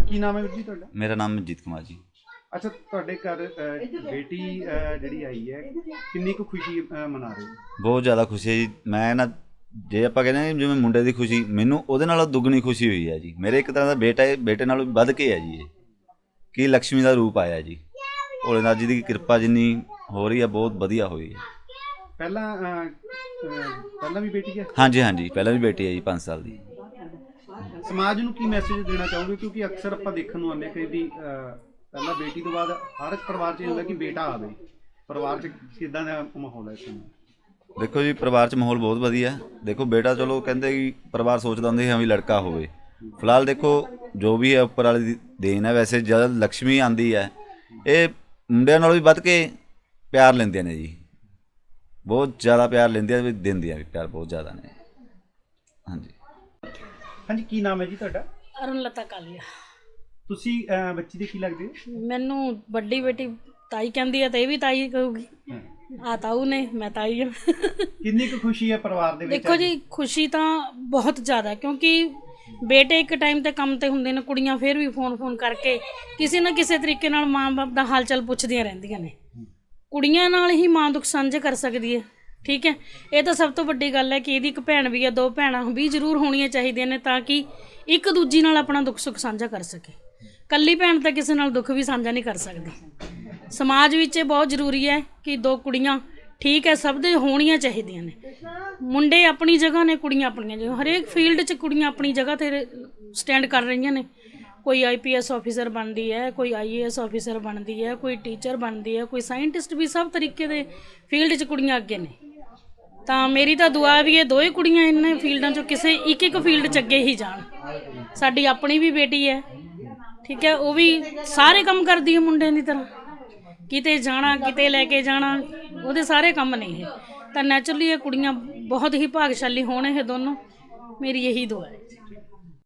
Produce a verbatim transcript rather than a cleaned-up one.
ਕੀ ਨਾਮ ਹੈ ਵੀਰ ਜੀ ਤੁਹਾਡਾ? ਮੇਰਾ ਨਾਮ ਮਨਜੀਤ ਕੁਮਾਰ ਜੀ। ਅੱਛਾ, ਤੁਹਾਡੇ ਘਰ ਅ, ਬੇਟੀ ਅ, ਜਿਹੜੀ ਆਈ ਹੈ, ਕਿੰਨੀ ਕੁ ਖੁਸ਼ੀ ਅ, ਮਨਾ ਰਹੇ ਹੋ? ਬਹੁਤ ਜ਼ਿਆਦਾ ਖੁਸ਼ੀ ਹੈ ਜੀ। ਮੈਂ ਨਾ ਜੇ ਆਪਾਂ ਕਹਿੰਦੇ ਹਾਂ ਜਿਵੇਂ ਮੁੰਡੇ ਦੀ ਖੁਸ਼ੀ, ਮੈਨੂੰ ਉਹਦੇ ਨਾਲੋਂ ਦੁੱਗਣੀ ਖੁਸ਼ੀ ਹੋਈ ਹੈ ਜੀ। ਮੇਰੇ ਇੱਕ ਤਰ੍ਹਾਂ ਦਾ ਬੇਟਾ ਹੈ, ਬੇਟੇ ਨਾਲੋਂ ਵੱਧ ਕੇ ਹੈ ਜੀ। ਇਹ ਕਿ ਲਕਸ਼ਮੀ ਦਾ ਰੂਪ ਆਇਆ ਜੀ। ਭੋਲੇਨਾਥ ਜੀ ਦੀ ਕਿਰਪਾ ਜਿੰਨੀ ਹੋ ਰਹੀ ਹੈ ਬਹੁਤ ਵਧੀਆ ਹੋਈ ਹੈ। ਪਹਿਲਾਂ ਅ, ਅ, ਪਹਿਲਾਂ ਵੀ ਬੇਟੀ ਹੈ? ਹਾਂਜੀ ਹਾਂਜੀ, ਪਹਿਲਾਂ ਵੀ ਬੇਟੀ ਹੈ ਜੀ, ਪੰਜ ਸਾਲ ਦੀ। ਸਮਾਜ ਨੂੰ ਕੀ ਮੈਸੇਜ ਦੇਣਾ ਚਾਹੋਗੇ? ਕਿਉਂਕਿ ਅਕਸਰ ਆਪਾਂ ਦੇਖਣ ਨੂੰ ਆਉਂਦੇ ਕਈ ਵੀ ਪਹਿਲਾਂ ਬੇਟੀ ਤੋਂ ਬਾਅਦ ਹਰ ਇੱਕ ਪਰਿਵਾਰ 'ਚ ਇਹ ਹੁੰਦਾ ਕਿ ਬੇਟਾ ਆਵੇ। ਪਰਿਵਾਰ 'ਚ ਕਿੱਦਾਂ ਦਾ ਮਾਹੌਲ ਹੈ ਇਸ ਸਮੇਂ? ਦੇਖੋ ਜੀ, ਪਰਿਵਾਰ 'ਚ ਮਾਹੌਲ ਬਹੁਤ ਵਧੀਆ। ਦੇਖੋ ਬੇਟਾ, ਚਲੋ ਕਹਿੰਦੇ ਕਿ ਪਰਿਵਾਰ ਸੋਚਦਾ ਹੁੰਦਾ ਹਾਂ ਵੀ ਲੜਕਾ ਹੋਵੇ। ਫਿਲਹਾਲ ਦੇਖੋ ਜੋ ਵੀ ਹੈ ਉੱਪਰ ਵਾਲੀ ਦੀ ਦੇਣ ਹੈ। ਵੈਸੇ ਜਦ ਲਕਸ਼ਮੀ ਆਉਂਦੀ ਹੈ, ਇਹ ਮੁੰਡਿਆਂ ਨਾਲੋਂ ਵੀ ਵੱਧ ਕੇ ਪਿਆਰ ਲੈਂਦੀਆਂ ਨੇ ਜੀ। ਬਹੁਤ ਜ਼ਿਆਦਾ ਪਿਆਰ ਲੈਂਦੀਆਂ ਵੀ ਦਿੰਦੀਆਂ ਵੀ ਪਿਆਰ ਬਹੁਤ ਜ਼ਿਆਦਾ ਨੇ। ਹਾਂਜੀ ਹਾਂਜੀ, ਕੀ ਨਾਮ ਹੈ ਜੀ ਤੁਹਾਡਾ? ਅਰੁਣਲਤਾ ਕਾਲੀਆ। ਤੁਸੀਂ ਅ, ਬੱਚੀ ਦੇ ਕੀ ਲੱਗਦੇ ਹੋ? ਮੈਨੂੰ ਵੱਡੀ ਬੇਟੀ ਤਾਈ ਕਹਿੰਦੀ ਹੈ ਤੇ ਇਹ ਵੀ ਤਾਈ ਕਹੂਗੀ। ਆ ਤਾਊ ਨੇ, ਮੈਂ ਤਾਈ ਹਾਂ। ਕਿੰਨੀ ਕੁ ਖੁਸ਼ੀ ਹੈ ਪਰਿਵਾਰ ਦੇ ਵਿੱਚ? ਦੇਖੋ ਜੀ, ਖੁਸ਼ੀ ਤਾਂ ਬਹੁਤ ਜ਼ਿਆਦਾ, ਕਿਉਂਕਿ ਬੇਟੇ ਇੱਕ ਟਾਈਮ ਤੇ ਕੰਮ ਤੇ ਹੁੰਦੇ ਨੇ, ਕੁੜੀਆਂ ਫਿਰ ਵੀ ਫੋਨ ਫੋਨ ਕਰਕੇ ਕਿਸੇ ਨਾ ਕਿਸੇ ਤਰੀਕੇ ਨਾਲ ਮਾਂ ਬਾਪ ਦਾ ਹਾਲ ਚਾਲ ਪੁੱਛਦੀਆਂ ਰਹਿੰਦੀਆਂ ਨੇ। ਕੁੜੀਆਂ ਨਾਲ ਹੀ ਮਾਂ ਦੁੱਖ ਸਾਂਝੇ ਕਰ ਸਕਦੀ ਹੈ। ਠੀਕ ਹੈ, ਇਹ ਤਾਂ ਸਭ ਤੋਂ ਵੱਡੀ ਗੱਲ ਹੈ ਕਿ ਇਹਦੀ ਇੱਕ ਭੈਣ ਵੀ ਹੈ, ਦੋ ਭੈਣਾਂ ਵੀ ਜ਼ਰੂਰ ਹੋਣੀਆਂ ਚਾਹੀਦੀਆਂ ਨੇ ਤਾਂ ਕਿ ਇੱਕ ਦੂਜੀ ਨਾਲ ਆਪਣਾ ਦੁੱਖ ਸੁੱਖ ਸਾਂਝਾ ਕਰ ਸਕੇ। ਇਕੱਲੀ ਭੈਣ ਤਾਂ ਕਿਸੇ ਨਾਲ ਦੁੱਖ ਵੀ ਸਾਂਝਾ ਨਹੀਂ ਕਰ ਸਕਦੀ। ਸਮਾਜ ਵਿੱਚ ਇਹ ਬਹੁਤ ਜ਼ਰੂਰੀ ਹੈ ਕਿ ਦੋ ਕੁੜੀਆਂ, ਠੀਕ ਹੈ, ਸਭ ਦੇ ਹੋਣੀਆਂ ਚਾਹੀਦੀਆਂ ਨੇ। ਮੁੰਡੇ ਆਪਣੀ ਜਗ੍ਹਾ ਨੇ, ਕੁੜੀਆਂ ਆਪਣੀਆਂ ਜਗ੍ਹਾ। ਹਰੇਕ ਫੀਲਡ 'ਚ ਕੁੜੀਆਂ ਆਪਣੀ ਜਗ੍ਹਾ 'ਤੇ ਸਟੈਂਡ ਕਰ ਰਹੀਆਂ ਨੇ। ਕੋਈ ਆਈ ਪੀ ਐਸ ਆਫਿਸਰ ਬਣਦੀ ਹੈ, ਕੋਈ ਆਈ ਏ ਐਸ ਆਫਿਸਰ ਬਣਦੀ ਹੈ, ਕੋਈ ਟੀਚਰ ਬਣਦੀ ਹੈ, ਕੋਈ ਸਾਇੰਟਿਸਟ ਵੀ। ਸਭ ਤਰੀਕੇ ਦੇ ਫੀਲਡ 'ਚ ਕੁੜੀਆਂ ਅੱਗੇ ਨੇ। ਤਾਂ ਮੇਰੀ ਤਾਂ ਦੁਆ ਵੀ ਇਹ ਦੋਵੇਂ ਕੁੜੀਆਂ ਇਹਨਾਂ ਫੀਲਡਾਂ 'ਚੋਂ ਕਿਸੇ ਇੱਕ ਇੱਕ ਫੀਲਡ 'ਚ ਅੱਗੇ ਹੀ ਜਾਣ। ਸਾਡੀ ਆਪਣੀ ਵੀ ਬੇਟੀ ਹੈ, ਠੀਕ ਹੈ, ਉਹ ਵੀ ਸਾਰੇ ਕੰਮ ਕਰਦੀ ਹੈ ਮੁੰਡਿਆਂ ਦੀ ਤਰ੍ਹਾਂ। ਕਿਤੇ ਜਾਣਾ, ਕਿਤੇ ਲੈ ਕੇ ਜਾਣਾ, ਉਹਦੇ ਸਾਰੇ ਕੰਮ ਨੇ ਇਹ। ਤਾਂ ਨੈਚੁਰਲੀ ਇਹ ਕੁੜੀਆਂ ਬਹੁਤ ਹੀ ਭਾਗਸ਼ਾਲੀ ਹੋਣ ਇਹ ਦੋਨੋਂ। ਮੇਰੀ ਇਹੀ ਦੁਆ ਹੈ।